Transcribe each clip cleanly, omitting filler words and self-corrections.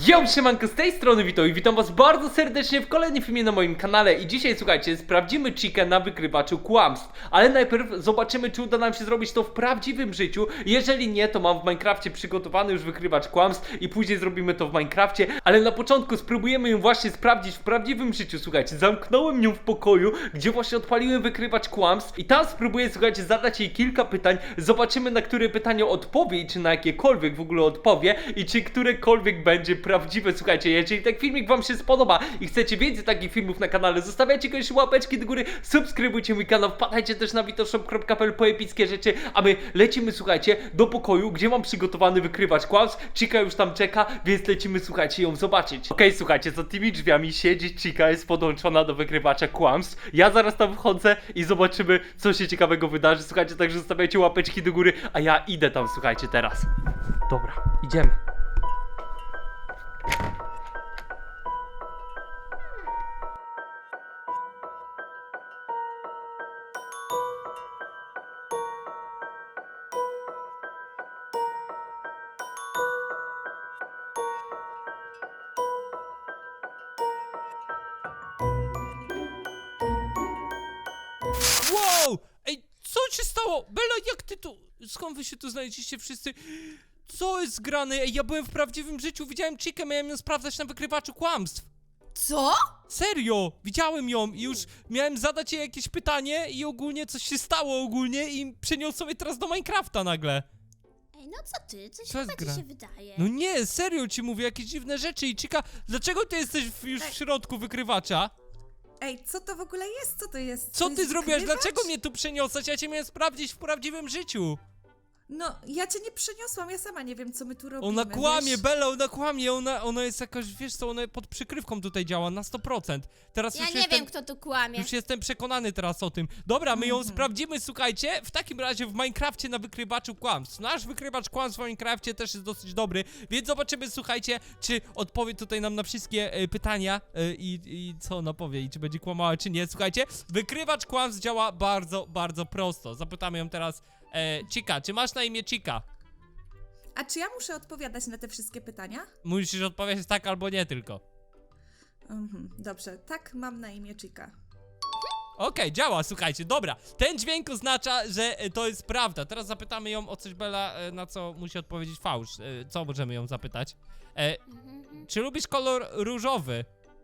Yo, siemanko, z tej strony witam was bardzo serdecznie w kolejnym filmie na moim kanale i dzisiaj, słuchajcie, sprawdzimy Chikę na wykrywaczu kłamstw, ale najpierw zobaczymy, czy uda nam się zrobić to w prawdziwym życiu. Jeżeli nie, to mam w Minecrafcie przygotowany już wykrywacz kłamstw i później zrobimy to w Minecrafcie, ale na początku spróbujemy ją właśnie sprawdzić w prawdziwym życiu. Słuchajcie, zamknąłem ją w pokoju, gdzie właśnie odpaliłem wykrywacz kłamstw i tam spróbuję, słuchajcie, zadać jej kilka pytań, zobaczymy, na które pytanie odpowie i czy na jakiekolwiek w ogóle odpowie i czy którekolwiek będzie prawdziwe. Słuchajcie, jeżeli ten filmik wam się spodoba i chcecie więcej takich filmów na kanale, zostawiajcie koniecznie łapeczki do góry, subskrybujcie mój kanał, wpadajcie też na vitoshop.pl po epickie rzeczy, a my lecimy, słuchajcie, do pokoju, gdzie mam przygotowany wykrywacz kłamstw. Chica już tam czeka, więc lecimy, słuchajcie, ją zobaczyć. Okej, słuchajcie, za tymi drzwiami siedzi Chica, jest podłączona do wykrywacza kłamstw. Ja zaraz tam wchodzę i zobaczymy, co się ciekawego wydarzy. Słuchajcie, także zostawiajcie łapeczki do góry, a ja idę tam, słuchajcie, teraz. Dobra, idziemy. Wow! Ej, co się stało? Bella, jak ty tu... Skąd wy się tu znaleźliście wszyscy? Co jest grane? Ej, ja byłem w prawdziwym życiu, widziałem Chikę, miałem ją sprawdzać na wykrywaczu kłamstw. Co? Serio, widziałem ją i już miałem zadać jej jakieś pytanie i ogólnie coś się stało ogólnie i przeniosłem je teraz do Minecrafta nagle. Ej, no co ty? Coś Co jest chyba gra? ci się wydaje. No nie, serio ci mówię, jakieś dziwne rzeczy i Chica, dlaczego ty jesteś już w środku wykrywacza? Ej, co to w ogóle jest? Co to jest? Co To ty jest zrobiłaś? wykrywacz? Dlaczego mnie tu przeniosłeś? Ja cię miałem sprawdzić w prawdziwym życiu. No, ja cię nie przeniosłam, ja sama nie wiem, co my tu robimy. Ona kłamie, wiesz? Bella, ona kłamie, ona jest jakaś, wiesz co, ona pod przykrywką tutaj działa na 100%. Teraz Ja już nie jestem, wiem, kto tu kłamie. już jestem przekonany teraz o tym. Dobra, my ją sprawdzimy, słuchajcie, w takim razie w Minecrafcie na wykrywaczu kłamstw. Nasz wykrywacz kłamstw w Minecrafcie też jest dosyć dobry, więc zobaczymy, słuchajcie, czy odpowie tutaj nam na wszystkie pytania i co ona powie i czy będzie kłamała, czy nie. Słuchajcie, wykrywacz kłamstw działa bardzo, bardzo prosto. Zapytamy ją teraz, Chica, czy masz na imię Chica? A czy ja muszę odpowiadać na te wszystkie pytania? Musisz odpowiedzieć tak albo nie tylko. Dobrze, tak, mam na imię Chica. Okej, działa, słuchajcie, dobra. Ten dźwięk oznacza, że to jest prawda. Teraz zapytamy ją o coś, Bella, na co musi odpowiedzieć fałsz. Co możemy ją zapytać? Czy lubisz kolor różowy?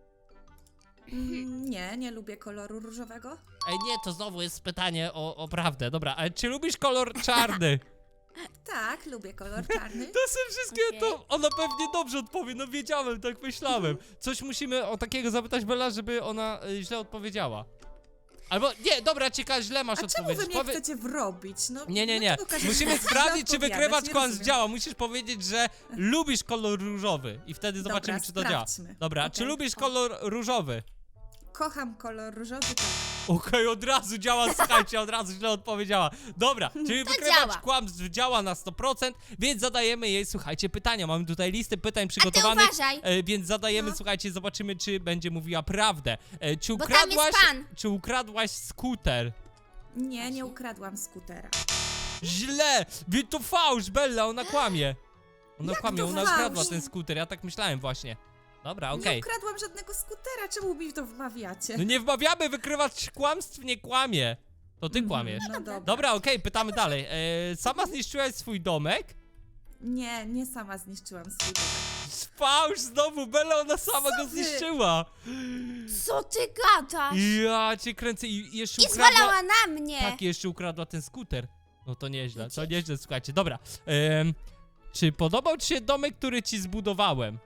Nie lubię koloru różowego. Ej, nie, to znowu jest pytanie o prawdę. Dobra, ale czy lubisz kolor czarny? Tak, lubię kolor czarny. To są wszystkie, to ona pewnie dobrze odpowie, no wiedziałem, tak myślałem. Coś musimy o takiego zapytać Bella, żeby ona źle odpowiedziała. Albo, nie, dobra, Chica, źle masz A czemu odpowiedzieć. wy mnie chcecie wrobić? No, Nie. dlaczego każecie Musimy źle sprawdzić, czy odpowiadać? wykrywacz Nie kłamstw rozumiem. działa. Musisz powiedzieć, że lubisz kolor różowy i wtedy Dobra, zobaczymy, czy to działa. sprawdźmy. Dobra, czy Okej. lubisz kolor różowy? Kocham kolor różowy, tak. Okej, od razu działa, słuchajcie, od razu źle odpowiedziała. Dobra, czyli wykrywacz działa. kłamstw działa na 100%, więc zadajemy jej, słuchajcie, pytania. Mamy tutaj listę pytań przygotowanych, uważaj. więc zadajemy, No. słuchajcie, zobaczymy, czy będzie mówiła prawdę. Czy Bo tam jest pan. Czy ukradłaś skuter? Nie ukradłam skutera. Źle! Wie, to fałsz, Bella, ona kłamie. Ona Jak kłamie, to ona fałsz? ukradła ten skuter, ja tak myślałem właśnie. Dobra, Nie okej. ukradłam żadnego skutera, czemu mi to wmawiacie? No nie wmawiamy, wykrywacz kłamstw nie kłamie. To ty kłamiesz. No dobra. Dobra, okej, pytamy dalej. Sama zniszczyłaś swój domek? Nie sama zniszczyłam swój domek. Fałsz znowu, Bella, ona sama go wy? zniszczyła. Co ty gadasz? Ja cię kręcę i jeszcze I ukradła... zwalała na mnie. Tak, jeszcze ukradła ten skuter. No to nieźle, słuchajcie. Dobra, czy podobał ci się domek, który ci zbudowałem?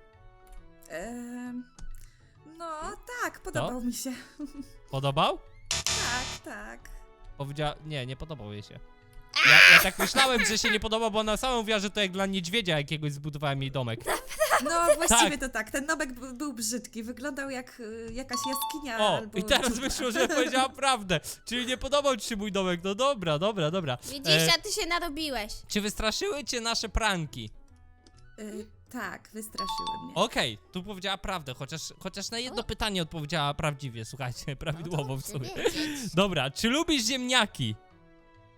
No tak, podobał mi się. Podobał? Tak. Powiedziała, nie podobał jej się. Ja tak myślałem, że się nie podoba, bo ona sama mówiła, że to jak dla niedźwiedzia jakiegoś zbudowałem jej domek. No właściwie to tak, ten domek był brzydki, wyglądał jak jakaś jaskinia O, albo i teraz dziura. wyszło, że powiedziała prawdę. Czyli nie podobał ci się mój domek. No dobra. Widzisz, a ty się narobiłeś. Czy wystraszyły cię nasze pranki? Tak, wystraszyły mnie. Okej, tu powiedziała prawdę, chociaż na jedno pytanie odpowiedziała prawdziwie, słuchajcie, prawidłowo w sumie. Wiedzieć. Dobra, czy lubisz ziemniaki?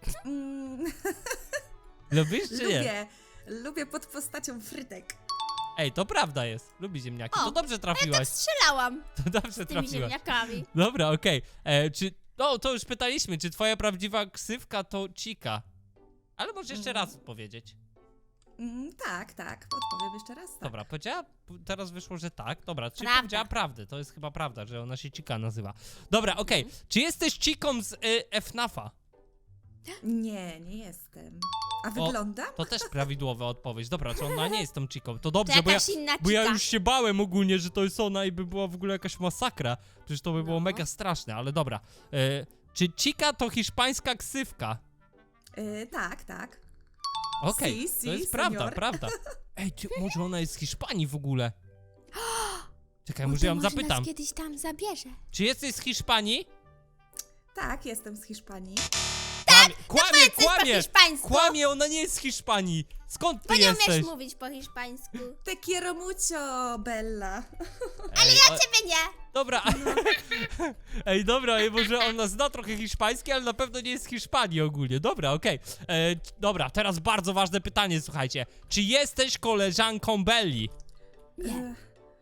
Mm, Lubisz czy nie? lubię pod postacią frytek. Ej, to prawda jest. Lubi ziemniaki. O, To dobrze Ja tak trafiłaś. strzelałam To dobrze tymi trafiłaś. ziemniakami. Dobra, okej. Czy... No, to już pytaliśmy, czy twoja prawdziwa ksywka to Chica? Ale możesz jeszcze raz odpowiedzieć. Tak, odpowiem jeszcze raz. Tak. Dobra, powiedziała, teraz wyszło, że tak. Dobra, czyli Prawda. powiedziała prawdę. To jest chyba prawda, że ona się Chica nazywa. Dobra, okej. Czy jesteś Chiką z FNAF-a? Nie jestem. A wyglądam? To też prawidłowa odpowiedź. Dobra, to ona nie jest tą Chiką. To dobrze, To bo ja, jakaś inna bo ja chica. już się bałem ogólnie, że to jest ona i by była w ogóle jakaś masakra. Przecież to by było No. mega straszne, ale dobra. Czy Chica to hiszpańska ksywka? Tak. Okej, Si, to jest si, prawda, senior. prawda. Ej, może ona jest z Hiszpanii w ogóle? Czekaj, O, może to ją może zapytam. nas kiedyś tam zabierze. Czy jesteś z Hiszpanii? Tak, jestem z Hiszpanii. Kłamie, Coś po hiszpańsku. kłamie, ona nie jest z Hiszpanii. Skąd ty Bo nie jesteś? umiesz mówić po hiszpańsku. Te quiero mucho, Bella. Ale Ciebie nie. Dobra. Ej, dobra, może ona zna trochę hiszpański, ale na pewno nie jest z Hiszpanii ogólnie. Dobra, okej. Dobra, teraz bardzo ważne pytanie, słuchajcie. Czy jesteś koleżanką Belli? Nie.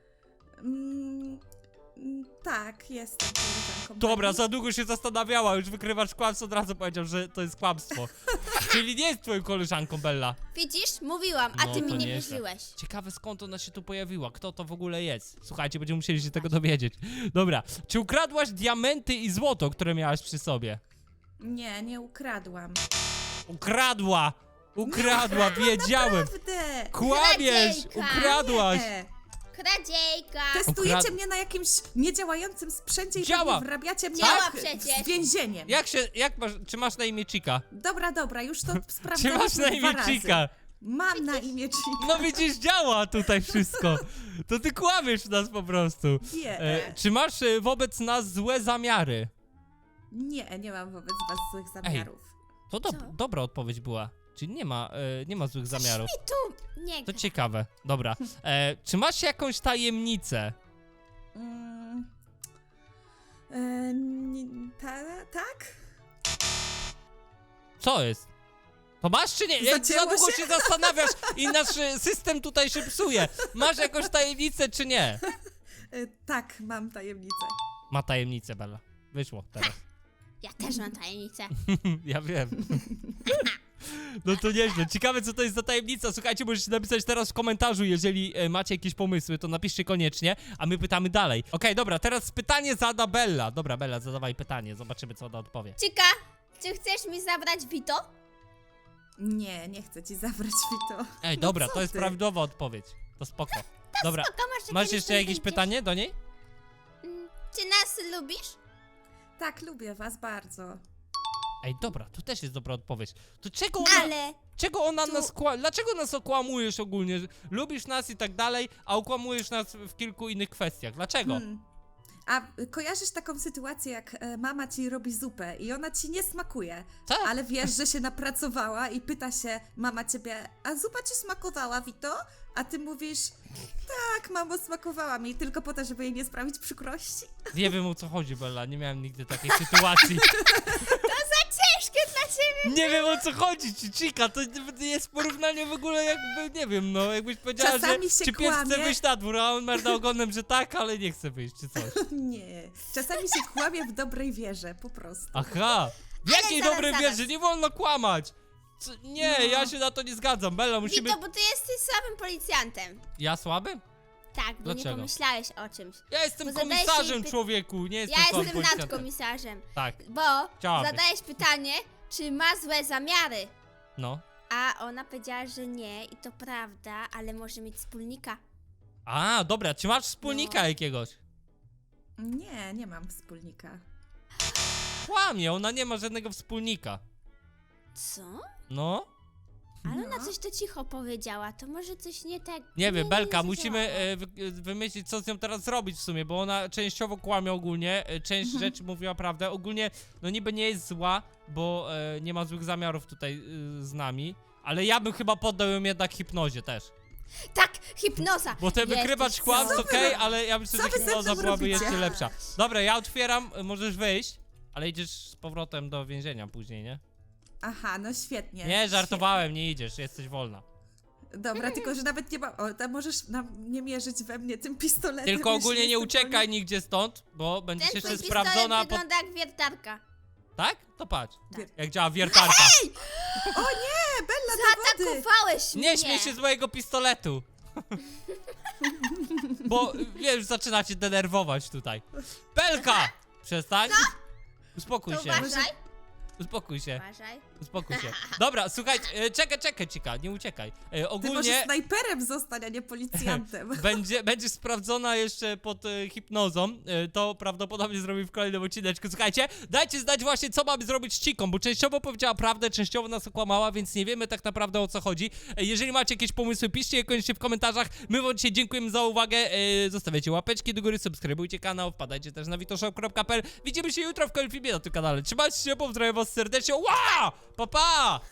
Tak, jestem koleżanką Dobra, Belli. za długo się zastanawiała, już wykrywacz kłamstwo od razu powiedział, że to jest kłamstwo. Czyli nie jest twoją koleżanką Bella. Widzisz? Mówiłam, a No, ty to mi nie nieźle. wierzyłeś. Ciekawe skąd ona się tu pojawiła, kto to w ogóle jest. Słuchajcie, będziemy musieli się tego dowiedzieć. Dobra, czy ukradłaś diamenty i złoto, które miałaś przy sobie? Nie ukradłam. Ukradła! Ukradła, wiedziałem! Prawdę! Kłamiesz! Kradziejka. Ukradłaś! Kradziejka. Testujecie mnie na jakimś niedziałającym sprzęcie i Działa. pewnie wrabiacie mnie Działa w przecież. więzieniem. Czy masz na imię Chica? Dobra, już to Czy sprawdzaliśmy masz na imię dwa razy. Chica? Mam na imię Chica. No widzisz, działa tutaj wszystko. To ty kłamiesz nas po prostu. Nie. Czy masz wobec nas złe zamiary? Nie mam wobec was złych zamiarów. To Co? dobra odpowiedź była. Czyli nie ma złych zamiarów. I tu nie To gra. ciekawe. Dobra. Czy masz jakąś tajemnicę? Mm, tak? Co jest? To masz czy nie? Za Zacięło długo się? się zastanawiasz i nasz system tutaj się psuje. Masz jakąś tajemnicę czy nie? Tak, mam tajemnicę. Ma tajemnicę, Bella. Wyszło teraz. Ja też mam tajemnicę. Ja wiem. No to nieźle. Ciekawe, co to jest za tajemnica. Słuchajcie, możecie napisać teraz w komentarzu, jeżeli macie jakieś pomysły, to napiszcie koniecznie, a my pytamy dalej. Okej, dobra, teraz pytanie zada Bella. Dobra, Bella, zadawaj pytanie, zobaczymy, co ona odpowie. Cika, czy chcesz mi zabrać Vito? Nie chcę ci zabrać Vito. Ej, dobra, co to jest ty? prawidłowa odpowiedź. To spoko. Dobra, Spoko, może masz kiedyś jeszcze tu jakieś wyjdziesz. pytanie do niej? Czy nas lubisz? Tak, lubię was bardzo. Ej, dobra, to też jest dobra odpowiedź. To Ale czego ona tu- nas dlaczego nas okłamujesz ogólnie? Lubisz nas i tak dalej, a okłamujesz nas w kilku innych kwestiach. Dlaczego? A kojarzysz taką sytuację, jak mama ci robi zupę i ona ci nie smakuje, Tak. ale wiesz, że się napracowała i pyta się mama ciebie, a zupa ci smakowała, Vito? A ty mówisz, tak, mamo, smakowała mi, tylko po to, żeby jej nie sprawić przykrości. Nie wiem, o co chodzi, Bella, nie miałem nigdy takiej sytuacji. ciężkie dla ciebie. Nie wiem, o co chodzi, czy Chica, to jest porównanie w ogóle jakby, nie wiem, no, jakbyś powiedziała, Czasami że się czy pies chce kłamie. wyjść na dwór, a on merda ogonem, że tak, ale nie chce wyjść, czy coś. Nie, czasami się kłamie w dobrej wierze, po prostu. Aha, w jakiej zaraz, dobrej zaraz. wierze, nie wolno kłamać. Nie, No. ja się na to nie zgadzam, Bella, musimy... Vito, bo ty jesteś słabym policjantem. Ja słaby? Tak, bo Dlaczego? nie pomyślałeś o czymś. Ja jestem Bo zadajesz komisarzem, jej py- człowieku, nie jestem Ja słabym jestem policjantem. nadkomisarzem. Tak, Bo Chciałabyś. zadajesz pytanie, czy ma złe zamiary. no. A ona powiedziała, że nie i to prawda, ale może mieć wspólnika. A, dobra, czy masz wspólnika No. jakiegoś? Nie mam wspólnika. Kłamie, ona nie ma żadnego wspólnika. Co? No. Ale ona No. coś to cicho powiedziała, to może coś nie tak... Nie wiem, Belka, nie musimy zadziałało. wymyślić, co z nią teraz zrobić w sumie, bo ona częściowo kłamie ogólnie, część rzeczy mówiła prawdę. Ogólnie, no niby nie jest zła, bo nie ma złych zamiarów tutaj z nami, ale ja bym chyba poddał ją jednak hipnozie też. Tak, hipnoza! Bo ten Jesteś wykrywacz kłamstw, Co wy okej, rob- ale ja myślę, co że wy ze hipnoza mną byłaby robicie? jeszcze lepsza. Dobra, ja otwieram, możesz wyjść, ale idziesz z powrotem do więzienia później, nie? Aha, no świetnie. Nie, żartowałem, nie idziesz, jesteś wolna. Dobra, tylko że nawet nie ma. O, tam możesz nie mierzyć we mnie tym pistoletem. Tylko jeśli ogólnie nie jestem uciekaj nigdzie stąd, bo będziesz Ten jeszcze twój pistolet sprawdzona. wygląda jak wiertarka. Tak? To patrz. Tak. Jak działa wiertarka. O nie, Bella, do wody! Zaatakowałeś mnie! Nie śmiej się z mojego pistoletu. Bo wiesz, zaczyna cię denerwować tutaj. Belka! Przestań. Uspokój To się. uważaj, Uspokój się. uważaj. Uspokój się. Dobra, słuchaj, czekaj, Cika, nie uciekaj. Ty możesz Ogólnie snajperem zostać, a nie policjantem. będziesz sprawdzona jeszcze pod hipnozą. To prawdopodobnie zrobimy w kolejnym odcineczku. Słuchajcie, dajcie znać właśnie, co mamy zrobić z Ciką, bo częściowo powiedziała prawdę, częściowo nas okłamała, więc nie wiemy tak naprawdę, o co chodzi. Jeżeli macie jakieś pomysły, piszcie je koniecznie w komentarzach. My wam dzisiaj dziękujemy za uwagę. Zostawiajcie łapeczki do góry, subskrybujcie kanał, wpadajcie też na witoshop.pl. Widzimy się jutro w kolejnym filmie na tym kanale. Trzymajcie się, pozdrawiam was serdecznie. Ła! Pa, pa!